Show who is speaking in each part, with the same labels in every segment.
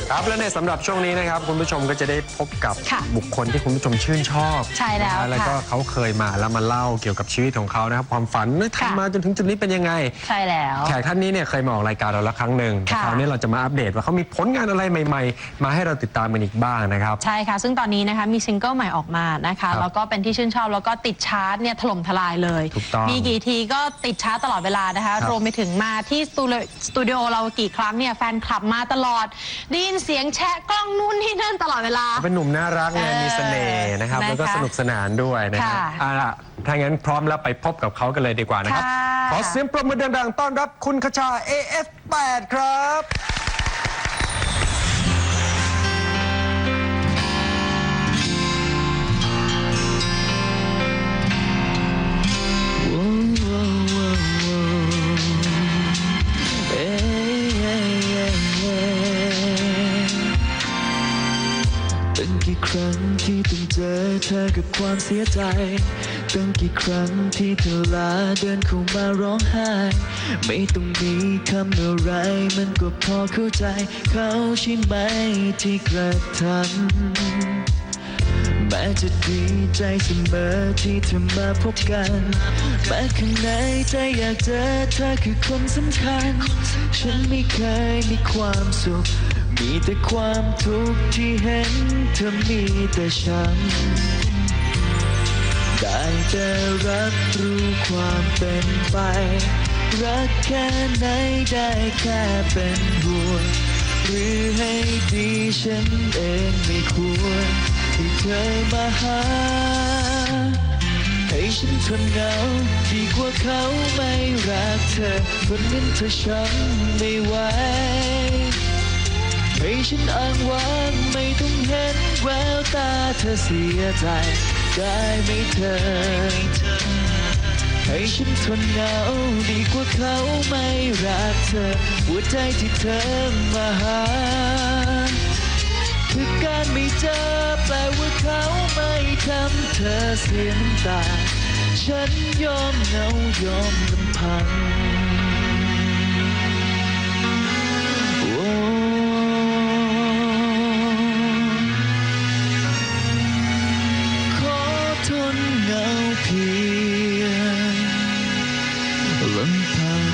Speaker 1: ครับและในสำหรับช่วงนี้นะครับคุณผู้ชมก็จะได้พบกับบุคคลที่คุณผู้ชมชื่นชอบ
Speaker 2: ใช่แล้ว
Speaker 1: แล้วก็เขาเคยมาแล้วมาเล่าเกี่ยวกับชีวิตของเขานะครับความฝันทำมาจนถึงจุดนี้เป็นยังไง
Speaker 2: ใช่แล้ว
Speaker 1: แขกท่านนี้เนี่ยเคยมาออกรายการเราแล้วครั้งหนึ่งคราวนี้เราจะมาอัปเดตว่าเขามีผลงานอะไรใหม่ๆมาให้เราติดตามกันอีกบ้างนะครับ
Speaker 2: ใช่ค่ะซึ่งตอนนี้นะคะมีซิงเกิลใหม่ออกมานะคะแล้วก็เป็นที่ชื่นชอบแล้วก็ติดชาร์ตเนี่ยถล่มทลายเลยมีกี่ทีก็ติดชาร์ตตลอดเวลานะคะรวมไปถึงมาที่สตูดิโอเรากี่ครั้งเนี่ยแฟนคลับมาตลอดได้ยินเสียงแชะกล้องนู่นนี่นั่นตลอดเวลา
Speaker 1: เป็นหนุ่มน่ารักเนี่ยมีเสน่ห์นะครับแล้วก็สนุกสนานด้วยนะครับถ้างั้นพร้อมแล้วไปพบกับเขากันเลยดีกว่านะครับขอเสียงปรบมือดังๆต้อนรับคุณคชา AF8 ครับ
Speaker 3: ตั้งกี่ครั้งที่ต้องเจอเธอกับความเสียใจตั้งกี่ครั้งที่เธอลาเดินเข้ามาร้องไห้ไม่ต้องมีคำอะไรมันก็พอเข้าใจเขาใช่ไหมที่กระทำแม้จะดีใจเสมอที่เธอมาพบกันแม้ข้างในใจอยากเจอเธอคือคนสำคัญฉันไม่เคยมีความสุขมีแต่ความทุกข์ที่เห็นเธอมีแต่ฉันได้แต่รับรู้ความเป็นไปรักแค่ไหนได้แค่เป็นห่วงหรือให้ดีฉันเองไม่ควรที่เธอมาหาให้ฉันทนเหงาดีกว่าเขาไม่รักเธอคนนั้นเธอช้ำไม่ไหวให้ฉันอ้างว้างไม่ต้องเห็นแววตาเธอเสียใจได้ไหมเธอให้ฉันทนเหงาดีกว่าเขาไม่รักเธอหัวใจที่เธอมาหาคือการไม่เจอแปลว่าเขาไม่ทำเธอเสียน้ำตาฉันยอมเหงายอมลำพังทนเหงาเพียงลำพัง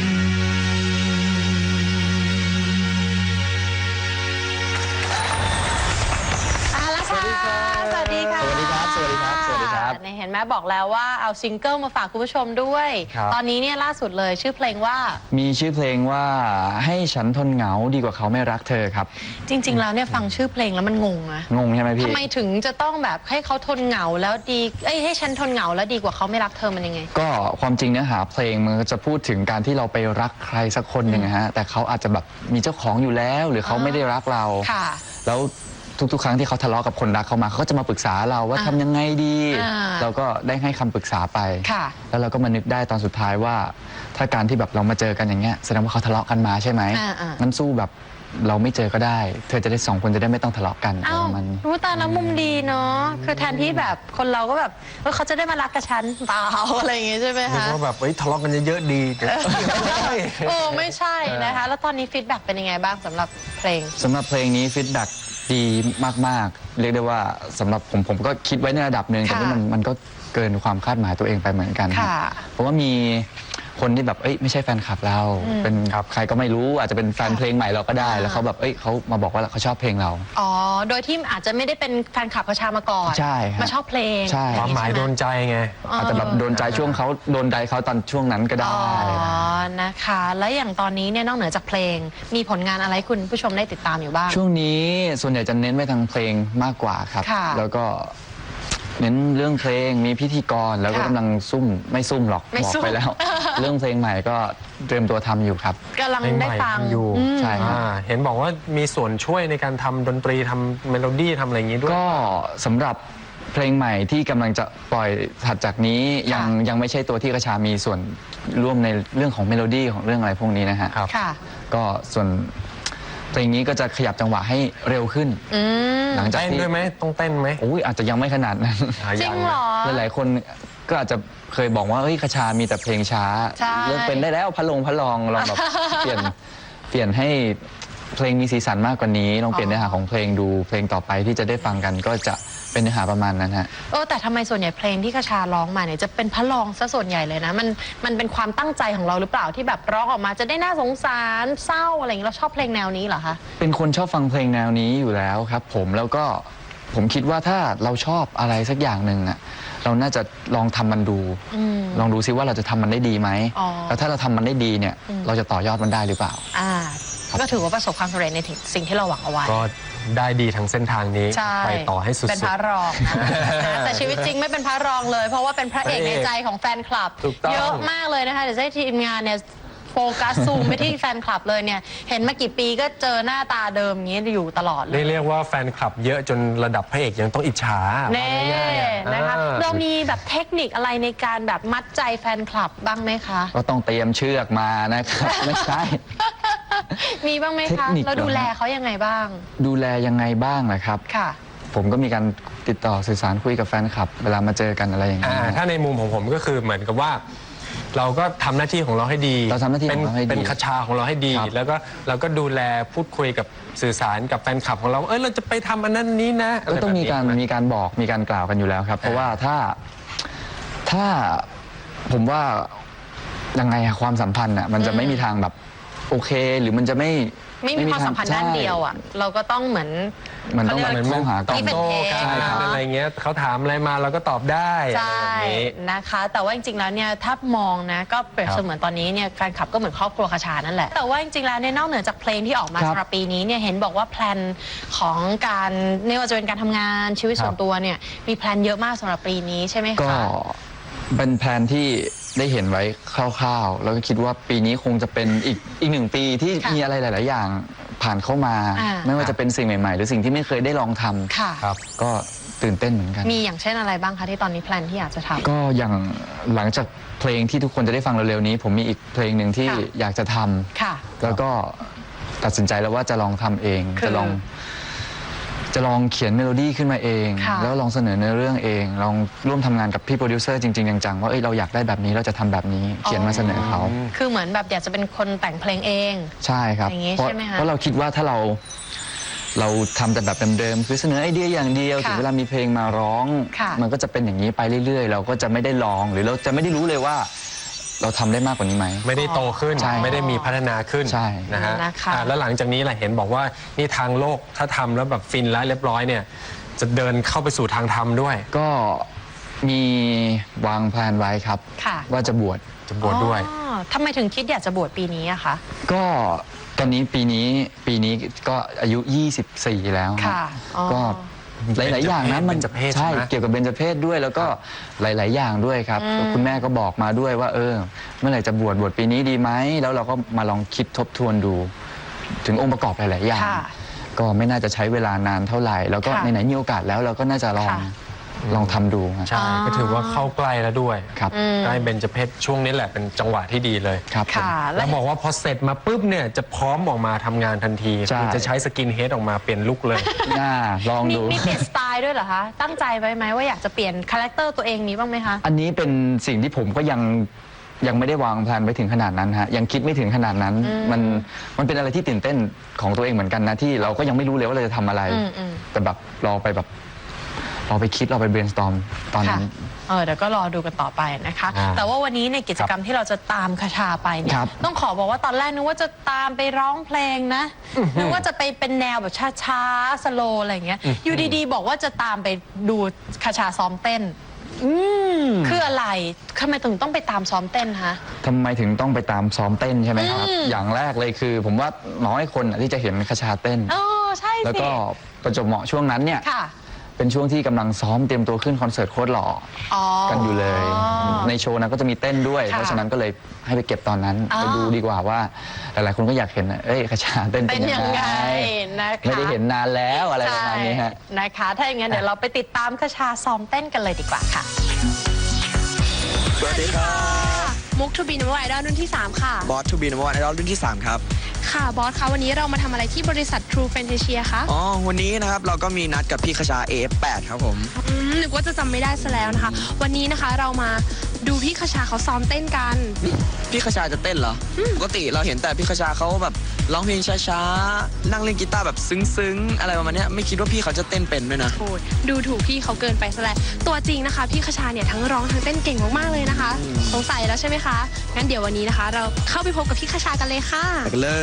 Speaker 2: สวัสดีค่ะสวัสดีค่ะ
Speaker 1: สวัสดีครับสวัสดีครับสวัสดีครับ
Speaker 2: เห็นไหมบอกแล้วว่าเอาซิงเกิลมาฝากคุณผู้ชมด้วยตอนนี้เนี่ยล่าสุดเลยชื่อเพลงว่า
Speaker 3: มีชื่อเพลงว่าให้ฉันทนเหงาดีกว่าเขาไม่รักเธอครับ
Speaker 2: จริงๆแล้วเนี่ยฟังชื่อเพลงแล้วมันงงนะ
Speaker 3: งงใช่ไหมพี่
Speaker 2: ทำไมถึงจะต้องแบบให้เขาทนเหงาแล้วดีให้ฉันทนเหงาแล้วดีกว่าเขาไม่รักเธอมันยังไง
Speaker 3: ก็ความจริงเนื้อหาเพลงมันจะพูดถึงการที่เราไปรักใครสักคนหนึ่งนะฮะแต่เขาอาจจะแบบมีเจ้าของอยู่แล้วหรือเขาไม่ได้รักเราแล้วทุกๆครั้งที่เขาทะเลาะกับคนรักเขามาเขาก็จะมาปรึกษาเราว่าทำยังไงดีเราก็ได้ให้คำปรึกษาไปแล้วเราก็มานึกได้ตอนสุดท้ายว่าถ้าการที่แบบเรามาเจอกันอย่างเงี้ยแสดงว่าเขาทะเลาะกันมาใช่ไหมงั้นสู้แบบเราไม่เจอก็ได้เธอจะได้2 คนจะได้ไม่ต้องทะเลาะกัน
Speaker 2: มันรู้ตาแล้วมุมดีเนาะคือแทนที่แบบคนเราก็แบบเขาจะได้มารักกับฉันเปล่าอะไรอย่างงี้ใช่ไหมคะ
Speaker 1: ว่าแบบทะเลาะกันเยอะๆดี
Speaker 2: ไม่ใช่นะคะแล้วตอนนี้ฟีดแบ็กเป็นยังไงบ้างสำหรับเพลง
Speaker 3: นี้ฟีดแบ็กดีมากๆเรียกได้ว่าสำหรับผมก็คิดไว้ในระดับหนึ่งแต่ว่ามันก็เกินความคาดหมายตัวเองไปเหมือนกันเพราะว่ามีคนที่แบบไม่ใช่แฟนคลับเราเป็นใครก็ไม่รู้อาจจะเป็นแฟนเพลงใหม่เราก็ได้แล้วเขาแบบเขามาบอกว่าเขาชอบเพลงเรา
Speaker 2: โดยที่อาจจะไม่ได้เป็นแฟนคลับคชามาก่อน
Speaker 3: ใช่
Speaker 2: มาชอบเพลง
Speaker 1: ความหมายโดนใจไง
Speaker 3: อาจจะแบบโดนใจช่วงเขาโดนใจเขาตอนช่วงนั้นก็ได้
Speaker 2: นะคะแล้วอย่างตอนนี้เนี่ยนอกเหนือจากเพลงมีผลงานอะไรคุณผู้ชมได้ติดตามอยู่บ้าง
Speaker 3: ช่วงนี้ส่วนใหญ่จะเน้นไปทางเพลงมากกว่าครับแล้วก็เน้นเรื่องเพลงมีพิธีกรแล้วก็กำลังไม่ซุ่มหรอกบอกไปแล้วเรื่องเพลงใหม่ก็เตรียมตัวทำอยู่ครับ
Speaker 2: กำลังได้ฟัง
Speaker 1: อยู่
Speaker 3: ใช่
Speaker 1: เห็นบอกว่ามีส่วนช่วยในการทำดนตรีทำเมโลดี้ทำอะไรอย่างนี้ด้วย
Speaker 3: ก็สำหรับเพลงใหม่ที่กำลังจะปล่อยถัดจากนี้ยังไม่ใช่ตัวที่คชามีส่วนร่วมในเรื่องของเมโลดี้ของเรื่องอะไรพวกนี้นะฮะก็ส่วนเพลงนี้ก็จะขยับจังหวะให้เร็วขึ้น
Speaker 1: หลังจากที่เต้นด้วยไหมต้องเต้นไหม
Speaker 3: อาจจะยังไม่ขนาดนั้น
Speaker 2: จริงเหรอ
Speaker 3: หลายๆคนก็อาจจะเคยบอกว่าคชามีแต่เพลงช้าเลิกเป็นได้แล้วพะลองลองแบบเปลี่ยนให้เพลงมีสีสันมากกว่านี้ลองเปลี่ยนเนื้อหาของเพลงดูเพลงต่อไปที่จะได้ฟังกันก็จะเป็นเนื้อหาประมาณนั้นฮะ
Speaker 2: แต่ทำไมส่วนใหญ่เพลงที่คชาร้องมาเนี่ยจะเป็นพระรองซะส่วนใหญ่เลยนะมันเป็นความตั้งใจของเราหรือเปล่าที่แบบร้องออกมาจะได้น่าสงสารเศร้าอะไรอย่างนี้เราชอบเพลงแนวนี้เหรอคะ
Speaker 3: เป็นคนชอบฟังเพลงแนวนี้อยู่แล้วครับผมแล้วก็ผมคิดว่าถ้าเราชอบอะไรสักอย่างหนึ่งอะเราน่าจะลองทำมันดูลองดูซิว่าเราจะทำมันได้ดีไหมแล้วถ้าเราทำมันได้ดีเนี่ยเราจะต่อยอดมันได้หรือเปล่า
Speaker 2: ก็ถือว่าประสบความสำเร็จในสิ่งที่เราหวังเอาไว้
Speaker 1: ก็ได้ดีทั้งเส้นทางนี้ไปต่อให้สุดๆ
Speaker 2: เป็นพระรองนะแต่ชีวิตจริงไม่เป็นพระรองเลยเพราะว่าเป็นพระเอกในใจของแฟนคลับเยอะมากเลยนะคะเดี๋ยวให้ทีมงานเนี่ยโฟกัสซูมไปที่แฟนคลับเลยเนี่ยเห็นมากี่ปีก็เจอหน้าตาเดิมอย่างนี้อยู่ตลอดเลย
Speaker 1: เรียกว่าแฟนคลับเยอะจนระดับพระเอกยังต้องอิจฉา
Speaker 2: แน่นะคะเรามีแบบเทคนิคอะไรในการแบบมัดใจแฟนคลับบ้างไหมคะ
Speaker 3: ก็ต้องเตรียมเชือกมานะครับไม่ใช่
Speaker 2: มีบ้างไหมคะเราดูแลเขายังไงบ้าง
Speaker 3: ดูแลยังไงบ้างนะครับ
Speaker 2: ค่ะ
Speaker 3: ผมก็มีการติดต่อสื่อสารคุยกับแฟนคลับเวลามาเจอกันอะไรอย่างเงี้ย
Speaker 1: ถ้าในมุมของผมก็คือเหมือนกับว่าเราก็ทำหน้าที่ของเราให้ดี
Speaker 3: เราทำหน้าที่ของเราให้ดี
Speaker 1: เป็นคชาของเราให้ดีแล้วก็เราก็ดูแลพูดคุยกับสื่อสารกับแฟนคลับของเราเราจะไปทำอันนั้นนี้นะ
Speaker 3: ก็ต้องมีการบอกมีการกล่าวกันอยู่แล้วครับเพราะว่าถ้าผมว่ายังไงความสัมพันธ์อ่ะมันจะไม่มีทางแบบโอเคหรือมันจะไม่
Speaker 2: มีความสัมพันธ์ด้านเดียวอ่ะเราก็ต้องเหมือน
Speaker 3: มันต้องมองหา
Speaker 1: ตอบโต้กันอะไรเงี้ยเขาถามอะไรมาเราก็ตอบได้
Speaker 2: ใช่นะคะแต่ว่าจริงๆแล้วเนี่ยถ้ามองนะก็เปรียบเสมือนตอนนี้เนี่ยแฟนคลับก็เหมือนครอบครัวคชานั่นแหละแต่ว่าจริงๆแล้วเนี่ยนอกเหนือจากเพลงที่ออกมาสำหรับปีนี้เนี่ยเห็นบอกว่าแพลนของการไม่ว่าจะเป็นการทำงานชีวิตส่วนตัวเนี่ยมีแพลนเยอะมากสำหรับปีนี้ใช่ไหมคะ
Speaker 3: ก็เป็นแพลนที่ได้เห็นไว้คร่าวๆแล้วก็คิดว่าปีนี้คงจะเป็นอีกหนึ่งปีที่มีอะไรหลายๆอย่างผ่านเข้ามาไม่ว่าจะเป็นสิ่งใหม่ๆหรือสิ่งที่ไม่เคยได้ลองทำครับก็ตื่นเต้นเหมือนกัน
Speaker 2: มีอย่างเช่นอะไรบ้างคะที่ตอนนี้แพลนที่อยากจะทำ
Speaker 3: ก็อย่างหลังจากเพลงที่ทุกคนจะได้ฟังเร็วๆนี้ผมมีอีกเพลงหนึ่งที่อยากจะทำแล้วก็ตัดสินใจแล้วว่าจะลองทำเองจะลองเขียนเมโลดี้ขึ้นมาเองแล้วลองเสนอเนื้อเรื่องเองลองร่วมทำงานกับพี่โปรดิวเซอร์จริงๆจังๆว่าเราอยากได้แบบนี้เราจะทำแบบนี้เขียนมาเสนอเขา
Speaker 2: คือเหมือนแบบอยากจะเป็นคนแต่งเพลงเอง
Speaker 3: ใช่ครับเพราะเราคิดว่าถ้าเราทำแต่แบบเดิมๆคือเสนอไอเดียอย่างเดียวถึงเวลามีเพลงมาร้องมันก็จะเป็นอย่างนี้ไปเรื่อยๆเราก็จะไม่ได้ลองหรือเราจะไม่ได้รู้เลยว่าเราทำได้มากกว่านี้ไหม
Speaker 1: ไม่ได้โตขึ้นไม่ได้มีพัฒนาขึ้นนะฮะแล้วหลังจากนี้แหละเห็นบอกว่านี่ทางโลกถ้าทำแล้วแบบฟินแล้วเรียบร้อยเนี่ยจะเดินเข้าไปสู่ทางธรรมด้วย
Speaker 3: ก็มีวางแผนไว้ครับว่าจะบวช
Speaker 1: ด้วย
Speaker 2: ทำไมถึงคิดอยากจะบวชปีนี้อะคะ
Speaker 3: ก็ตอนนี้ปีนี้ก็อายุ24แล้วก็หลายๆอย่างนะมันใช่เกี่ยวกับเบญจเพศด้วยแล้วก็หลายๆอย่างด้วยครับคุณแม่ก็บอกมาด้วยว่าเมื่อไหร่จะบวชปีนี้ดีไหมแล้วเราก็มาลองคิดทบทวนดูถึงองค์ประกอบหลายๆอย่างก็ไม่น่าจะใช้เวลานานเท่าไหร่แล้วก็ไหนๆมีโอกาสแล้วเราก็น่าจะลองทำดู
Speaker 1: ใช่ก็ถือว่าเข้าใกล้แล้วด้วยใกล้เบญจเพศช่วงนี้แหละเป็นจังหวะที่ดีเลย
Speaker 3: ครับ
Speaker 1: แล้วบอกว่าพอเสร็จมาปุ๊บเนี่ยจะพร้อมออกมาทำงานทันทีจะใช้สกินเฮดออกมาเปลี่ยนลุคเลย
Speaker 3: ลองดู
Speaker 2: มีเปลี่ยนสไตล์ด้วยเหรอคะตั้งใจไว้ไหมว่าอยากจะเปลี่ยนคาแรคเตอร์ตัวเองมีบ้างไหมคะ
Speaker 3: อันนี้เป็นสิ่งที่ผมก็ยังไม่ได้วางแผนไว้ถึงขนาดนั้นฮะยังคิดไม่ถึงขนาดนั้นมันเป็นอะไรที่ตื่นเต้นของตัวเองเหมือนกันนะที่เราก็ยังไม่รู้เลยว่าเราจะทำอะไรแต่แบบเราไปคิดเราไป brainstorm ตอนนั้น
Speaker 2: เดี๋ยวก็รอดูกันต่อไปนะคะแต่ว่าวันนี้ในกิจกรรมที่เราจะตามคชาไปเนี่ยต้องขอบอกว่าตอนแรกนึกว่าจะตามไปร้องเพลงนะนึกว่าจะไปเป็นแนวแบบช้าๆสโลว์อะไรอย่างเงี้ยอยู่ดีๆบอกว่าจะตามไปดูคชาซ้อมเต้นคืออะไรทำไมถึงต้องไปตามซ้อมเต้นคะ
Speaker 3: ทำไมถึงต้องไปตามซ้อมเต้นใช่ไหมครับอย่างแรกเลยคือผมว่าน้อยคนที่จะเห็นคชาเต้น
Speaker 2: ใช่
Speaker 3: แล้วก็ประจวบเหมาะช่วงนั้นเนี่ยเป็นช่วงที่กำลังซ้อมเตรียมตัวขึ้นคอนเสิร์ตโคตรหล่อกันอยู่เลยในโชว์นั้นก็จะมีเต้นด้วยเพราะฉะนั้นก็เลยให้ไปเก็บตอนนั้นไปดูดีกว่าว่าหลายๆคนก็อยากเห็นคชาเต้นเป็นยังไงไม่ได้เห็นนานแล้วอะไรประมาณนี้ฮะ
Speaker 2: นะคะถ้าอย่างนั้นเดี๋ยวเราไปติดตามคชาซ้อมเต้นกันเลยดีกว่าค่ะ
Speaker 4: สวัสดีค่ะ
Speaker 5: มุกทูบีนัมเบอร์ไอดอลรุ่นที่3ค่ะ
Speaker 4: บอสทูบีนัมเบอร์ไอดอลรุ่นที่3ครับ
Speaker 5: ค่ะบอสคะวันนี้เรามาทำอะไรที่บริษัท True Fantasia คะ
Speaker 4: วันนี้นะครับเราก็มีนัดกับพี่คชา AF8 ครับผม
Speaker 5: นึกว่าจะจำไม่ได้ซะแล้วนะคะวันนี้นะคะเรามาดูพี่คชาเขาซ้อมเต้นกัน
Speaker 4: พี่คชาจะเต้นเหรอปกติเราเห็นแต่พี่คชาเขาแบบร้องเพลงช้าๆนั่งเล่นกีตาร์แบบซึ้งๆอะไรประมาณเนี้ยไม่คิดว่าพี่เขาจะเต้นเป็นด้วยนะ
Speaker 5: โอ้ยดูถูกพี่เขาเกินไปซะแล้วตัวจริงนะคะ พี่คชาเนี่ยทั้งร้องทั้งเต้นเก่งมากๆเลยนะคะสงสัยแล้วใช่ไหมคะงั้นเดี๋ยววันนี้นะคะ เราเข้าไปพบกับพี่คชากันเลยค่ะ
Speaker 4: ไปกันเลย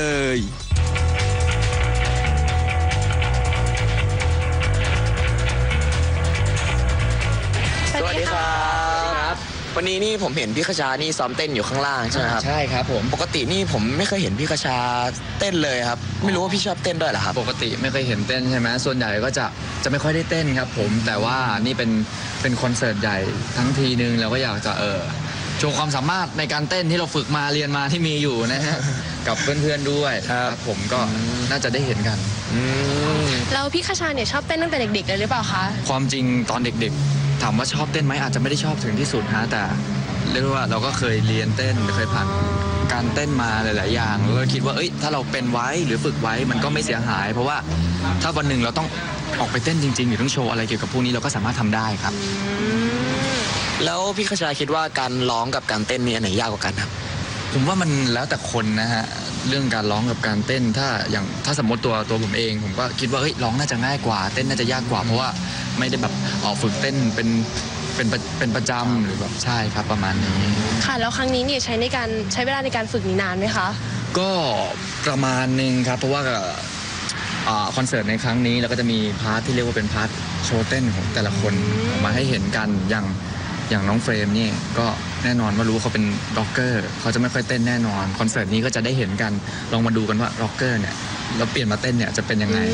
Speaker 4: สวัสดีครับวันนี้นี่ผมเห็นพี่คชานี่ซ้อมเต้นอยู่ข้างล่างใช่ไหมครับ
Speaker 3: ใช่ครับผม
Speaker 4: ปกตินี่ผมไม่เคยเห็นพี่คชาเต้นเลยครับ ไม่รู้ว่าพี่ชอบเต้นด้วยเหรอครับ
Speaker 3: ปกติไม่เคยเห็นเต้นใช่ไหมส่วนใหญ่ก็จะไม่ค่อยได้เต้นครับผมแต่ว่านี่เป็นคอนเสิร์ตใหญ่ทั้งทีนึงเราก็อยากจะโชว์ความสามารถในการเต้นที่เราฝึกมาเรียนมาที่มีอยู่นะฮะ กับเพื่อนๆด้วยครับผมก็น่าจะได้เห็นกัน
Speaker 5: แล้วพี่คชาเนี่ยชอบเต้นตั้งแต่เด็กๆเลยหรือเปล่าคะ
Speaker 3: ความจริงตอนเด็กๆถามว่าชอบเต้นไหมอาจจะไม่ได้ชอบถึงที่สุดฮะแต่เรียกว่าเราก็เคยเรียนเต้นเคยผ่านการเต้นมาหลายๆอย่างแล้วก็คิดว่าถ้าเราเป็นไว้หรือฝึกไว้มันก็ไม่เสียหาย เพราะว่าถ้าวันหนึ่งเราต้องออกไปเต้นจริงๆหรือต้องโชว์อะไรเกี่ยวกับพวกนี้เราก็สามารถทำได้ครับ
Speaker 4: แล้วพี่คชาคิดว่าการร้องกับการเต้นนี่อันไหนยากกว่ากันครับ
Speaker 3: ผมว่ามันแล้วแต่คนนะฮะเรื่องการร้องกับการเต้นถ้าสมมติตัวผมเองผมก็คิดว่าร้องน่าจะง่ายกว่าเต้นน่าจะยากกว่าเพราะว่าไม่ได้แบบฝึกเต้นเป็นประจำหรือแบบใช่ครับประมาณนี้
Speaker 5: ค่ะแล้วครั้งนี้เนี่ยใช้เวลาในการฝึกนี่นานไหมคะ
Speaker 3: ก็ประมาณหนึงครับเพราะว่าคอนเสิร์ตในครั้งนี้เราก็จะมีพาร์ทที่เรียกว่าเป็นพาร์ทโชว์เต้นของแต่ละคนออกมาให้เห็นกันอย่างน้องเฟรมนี่ก็แน่นอนว่ารู้ว่าเขาเป็นร็อกเกอร์เขาจะไม่ค่อยเต้นแน่นอนคอนเสิร์ตนี้ก็จะได้เห็นกันลองมาดูกันว่าร็อกเกอร์เนี่ยแล้วเปลี่ยนมาเต้นเนี่ยจะเป็นยังไง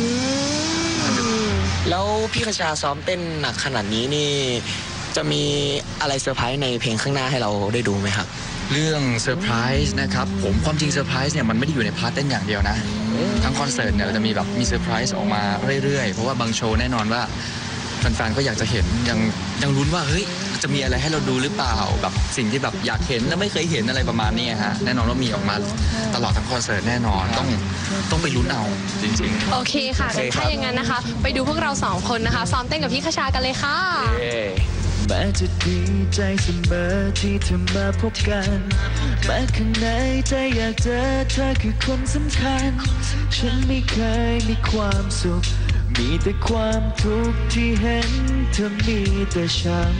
Speaker 4: แล้วพี่คชาซ้อมเต้นหนักขนาดนี้นี่จะมีอะไรเซอร์ไพรส์ในเพลงข้างหน้าให้เราได้ดูไหมครับ
Speaker 3: เรื่องเซอร์ไพรส์นะครับผมความจริงเซอร์ไพรส์เนี่ยมันไม่ได้อยู่ในพาร์ทเต้นอย่างเดียวนะทั้งคอนเสิร์ตเนี่ยเราจะมีแบบมีเซอร์ไพรส์ออกมาเรื่อยๆเพราะว่าบางโชว์แน่นอนว่าแฟนๆก็อยากจะเห็นยังลุ้นว่าเฮ้ยจะมีอะไรให้เราดูหรือเปล่าแบบสิ่งที่แบบอยากเห็นแล้วไม่เคยเห็นอะไรประมาณนี้ฮะแน่นอนว่ามีออกมาตลอดทั้งคอนเสิร์ตแน่นอนต้องไปลุ้นเอาจริงๆ
Speaker 5: โอเคค่ะงั้นถ้าอย่างนั้นนะคะ ไปดูพวกเราสองคนนะคะ ซ้อมเต้นกับพี่คชากันเลยค่ะ
Speaker 6: แม้จะดีใจเสมอที่เธอมาพบกันแม้ข้างในใจอยากเจอเธอคือคนสำคัญฉันไม่เคยมีความสุขมีแต่ความทุกข์ที่เห็นเธอมีแต่ฉัน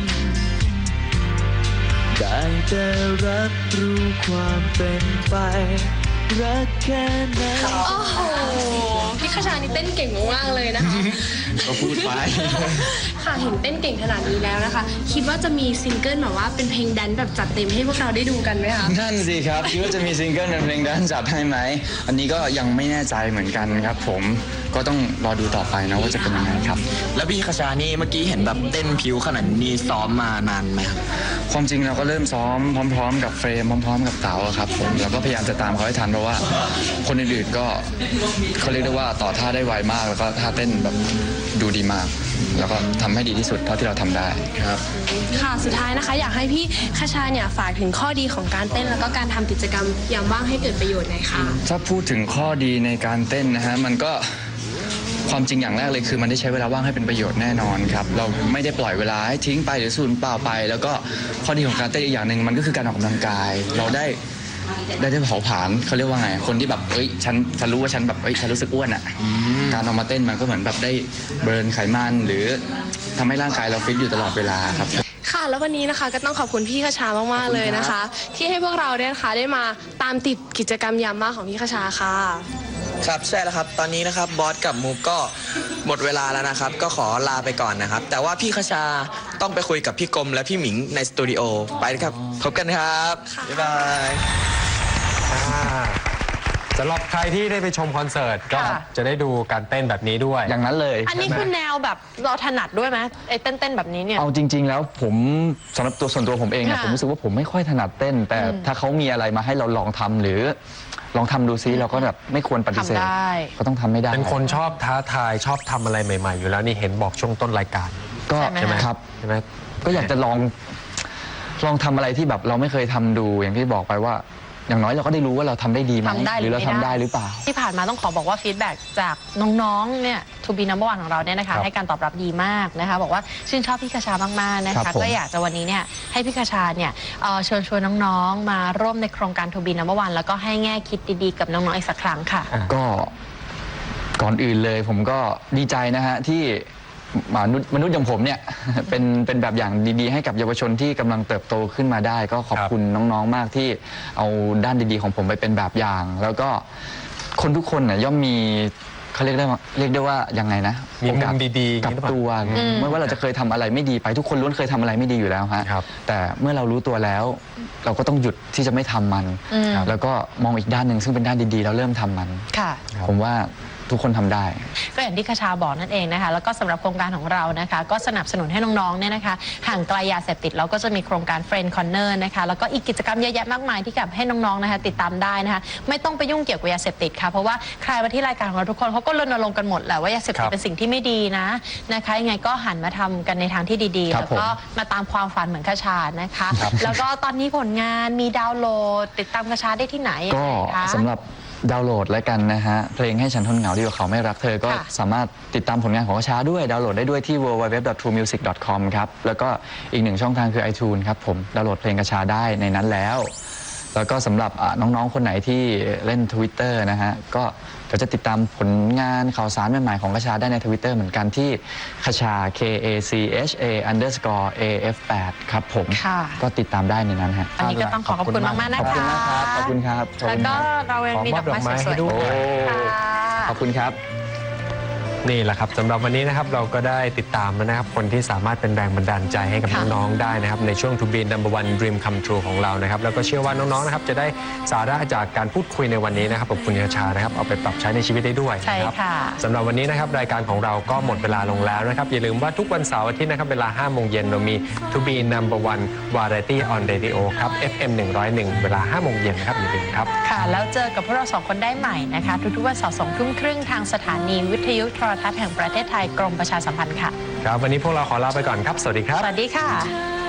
Speaker 6: ได้แต่รับรู้ความเป็นไปรักแค่ไหน
Speaker 5: โอ้โห พี่คชานี่เต้นเก่งมากๆเลยนะคะ
Speaker 3: ก็พูดไป
Speaker 5: ค่ะเห็นเต้นเก่งขนาดนี้แล้วนะคะ คิดว่าจะมีซิงเกิลแบบว่าเป็นเพลงแดนซ์แบบจัดเต็มให้พวกเราได้ดูกันไหมคะ
Speaker 3: นั่นสิครับคิดว่าจะมีซิงเกิลเป็นเพลงแดนซ์จัดให้ไหมอันนี้ก็ยังไม่แน่ใจเหมือนกันครับผมก็ต้องรอดูต่อไปนะว่าจะเป็นยังไงครับ
Speaker 4: แล้วพี่คชานี่เมื่อกี้เห็นแบบเต้นผิวขนาดนี้ซ้อมมานานไหมครับ
Speaker 3: ความจริงเราก็เริ่มซ้อมพร้อมๆกับเฟรมพร้อมๆกับเต๋าอะครับผมแล้วก็พยายามจะตามเขาให้ทันเพราะว่าคนอื่นๆก็เขาเรียกได้ว่าต่อท่าได้ไวมากแล้วก็ท่าเต้นแบบดูดีมาก แล้วก็ทำให้ดีที่สุดเท่าที่เราทำได้ครับ
Speaker 5: ค่ะสุดท้ายนะคะ อยากให้พี่คชาเนี่ยฝากถึงข้อดีของการเต้นแล้วก็การทำกิจกรรมยามว่างให้เกิดประโยชน์หน่อยค่ะ
Speaker 3: ถ้าพูดถึงข้อดีในการเต้นนะฮะมันก็ความจริงอย่างแรกเลยคือมันได้ใช้เวลาว่างให้เป็นประโยชน์แน่นอนครับเราไม่ได้ปล่อยเวลาให้ทิ้งไปหรือสูญเปล่าไป แล้วก็ข้อดีของการเต้นอีกอย่างหนึ่งมันก็คือการออกกำลังกาย เราได้เผาผลาญเขาเรียกว่าไงคนที่แบบฉันรู้ว่าฉันแบบฉันรู้สึกอ้วนอ่ะการออกมาเต้นมันก็เหมือนแบบได้เบิร์นไขมันหรือทำให้ร่างกายเราฟิตอยู่ตลอดเวลาครับ
Speaker 5: ค่ะแล้ววันนี้นะคะก็ต้องขอบคุณพี่คชามากๆเลยนะคะ ที่ให้พวกเราเนี่ยนะคะได้มาตามติดกิจกรรมยามว่างของพี่คชาค่ะ
Speaker 4: ครับใช่แล้วครับตอนนี้นะครับบอสกับมูฟก็หมดเวลาแล้วนะครับก็ขอลาไปก่อนนะครับแต่ว่าพี่คชาต้องไปคุยกับพี่กรมและพี่หมิงในสตูดิโอไปครับพบกันครับบ๊ายบาย
Speaker 1: สำหรับใครที่ได้ไปชมคอนเสิร์ตก็
Speaker 2: ค่ะ
Speaker 1: จะได้ดูการเต้นแบบนี้ด้วย
Speaker 3: อย่างนั้นเลย
Speaker 2: อันนี้คือแนวแบบเราถนัดด้วยไหมไอ้เต้นๆแบบนี้เนี่ย
Speaker 3: เอาจริง ๆ แล้วผมสำหรับส่วนตัวผมเองเนี่ย
Speaker 2: ค่ะ
Speaker 3: ผมรู้สึกว่าผมไม่ค่อยถนัดเต้น แต่ถ้าเขามีอะไรมาให้เราลองทำหรือลองทำดูซิเราก็แบบไม่ควรปฏิเสธ
Speaker 2: ทำได้
Speaker 3: ก็ต้องทำไม่ได้
Speaker 1: เป็นคนชอบท้าทายชอบทำอะไรใหม่ ๆ อยู่แล้วนี่เห็นบอกช่วงต้นรายการ
Speaker 3: ก็
Speaker 2: ใช่ไหม
Speaker 3: ครับ
Speaker 1: ใช่ไหม
Speaker 3: ก็อยากจะลองทำอะไรที่แบบเราไม่เคยทำดูอย่างที่บอกไปว่าอย่างน้อยเราก็ได้รู้ว่าเราทำได้ดีไหม
Speaker 2: ทำได้
Speaker 3: หรือเราทำได้หรือเปล่า
Speaker 2: ที่ผ่านมาต้องขอบอกว่าฟีดแบ็กจากน้องๆเนี่ย To be number one ของเราเนี่ยนะคะให้การตอบรับดีมากนะคะบอกว่าชื่นชอบพี่คชามากๆนะ
Speaker 3: ครั
Speaker 2: คะ
Speaker 3: บผม
Speaker 2: ก็อยากจะวันนี้เนี่ยให้พี่คชาเนี่ยเชิญชวนน้องๆมาร่วมในโครงการ To be number one แล้วก็ให้แง่คิดดีๆกับน้องๆอีกสักครั้งค่ะ
Speaker 3: ก็ก่อนอื่นเลยผมก็ดีใจนะฮะที่มนุษย์อย่างผมเนี่ย เป็นแบบอย่างดีๆให้กับเยาวชนที่กำลังเติบโตขึ้นมาได้ ก็ขอบคุณน้องๆมากที่เอาด้านดีๆของผมไปเป็นแบบอย่าง แล้วก็คนทุกคนเนี่ยย่อมมีเขาเรียกได้ว่ายังไงนะ
Speaker 1: มีมุมดีๆ
Speaker 3: กับตัวไม่ว่าเราจะเคยทำอะไรไม่ดีไปทุกคนล้วนเคยทำอะไรไม่ดีอยู่แล้วฮะ
Speaker 1: ครับ
Speaker 3: แต่เมื่อเรารู้ตัวแล้ว เราก็ต้องหยุดที่จะไม่ทำมัน แล้วก็มองอีกด้านหนึ่งซึ่งเป็นด้านดีๆแล้วเริ่มทำมัน
Speaker 2: ค่ะ
Speaker 3: ผมว่าทุกคนทำได้
Speaker 2: ก็อย่างที่คชาบอกนั่นเองนะคะแล้วก็สำหรับโครงการของเรานะคะก็สนับสนุนให้น้องๆเนี่ยนะคะห่างไกลยาเสพติดเราก็จะมีโครงการ Friend Corner นะคะแล้วก็อีกกิจกรรมเยอะแยะมากมายที่กับให้น้องๆนะคะติดตามได้นะคะไม่ต้องไปยุ่งเกี่ยวกับยาเสพติดค่ะเพราะว่าใครมาที่รายการของเราทุกคนเขาก็รณรงค์กันหมดแหละว่ายาเสพติดเป็นสิ่งที่ไม่ดีนะคะยังไงก็หันมาทำกันในทางที่ดีๆ
Speaker 3: ครับ
Speaker 2: แล้วก็มาตามความฝันเหมือนคชานะคะ แล้วก็ตอนนี้ผลงานมีดาวน์โหลดติดตามคชาได้ที่ไหนยัง
Speaker 3: ก็
Speaker 2: ไงคะ
Speaker 3: สำหรับดาวน์โหลดแล้วกันนะฮะเพลงให้ฉันทนเหงาดีกว่าเขาไม่รักเธอก็
Speaker 2: ค่ะ
Speaker 3: สามารถติดตามผลงานของกระชาด้วยดาวน์โหลดได้ด้วยที่ www.truemusic.com ครับแล้วก็อีกหนึ่งช่องทางคือ iTunes ครับผมดาวน์โหลดเพลงกระชาได้ในนั้นแล้วก็สำหรับน้องๆคนไหนที่เล่น Twitter นะฮะก็จะติดตามผลงานข่าวสารใหม่ๆของกระชาได้ใน Twitter เหมือนกันที่คชา KACHA_AF8 ครับผม
Speaker 2: ค่ะ
Speaker 3: ก็ติดตามได้ในนั้นฮะ
Speaker 2: อันนี้ก็ต้องขอบคุณมากๆนะ
Speaker 3: ขอบ
Speaker 2: คะ
Speaker 3: คุณมากครับขอบคุณครับขอบ
Speaker 2: แล้ว
Speaker 3: คุณค
Speaker 2: ก็
Speaker 3: รับ
Speaker 2: เรายังมีดอกไม้สวยๆ
Speaker 1: ขอมอบดอกไม้ให้ด้วย
Speaker 2: ค่ะ
Speaker 3: ขอบคุณครับ
Speaker 1: นี่แหละครับสำหรับวันนี้นะครับเราก็ได้ติดตามแล้วนะครับคนที่สามารถเป็นแรงบันดาลใจให้กับ
Speaker 2: ค่ะ
Speaker 1: น้องๆได้นะครับในช่วง To be number one dream come true ของเรานะครับแล้วก็เชื่อว่าน้องๆนะครับจะได้สาระจากการพูดคุยในวันนี้นะครับกับคุณคชานะครับเอาไปปรับใช้ในชีวิตได้ด้วย
Speaker 2: ใช่
Speaker 1: นะครับ
Speaker 2: ค่ะ
Speaker 1: สำหรับวันนี้นะครับรายการของเราก็หมดเวลาลงแล้วนะครับอย่าลืมว่าทุกวันเสาร์อาทิตย์นะครับเวลา 5 โมงเย็นเรามี To be number one variety on radio ครับ FM 101 เวลา 5 โมงเย็นนะครับอย่าลืมครับ
Speaker 2: ค่ะ แล้วเจอกับพวกเราสองคนได้ใหม่นะคะ ทุกๆวันเสาร์2 ทุ่มครึ่งทางสถานีวิทยุโทรทัศน์แห่งประเทศไทยกรมประชาสัมพันธ์ค่ะ
Speaker 1: ครับวันนี้พวกเราขอลาไปก่อนครับสวัสดีครับ
Speaker 2: สวัสดีค่ะ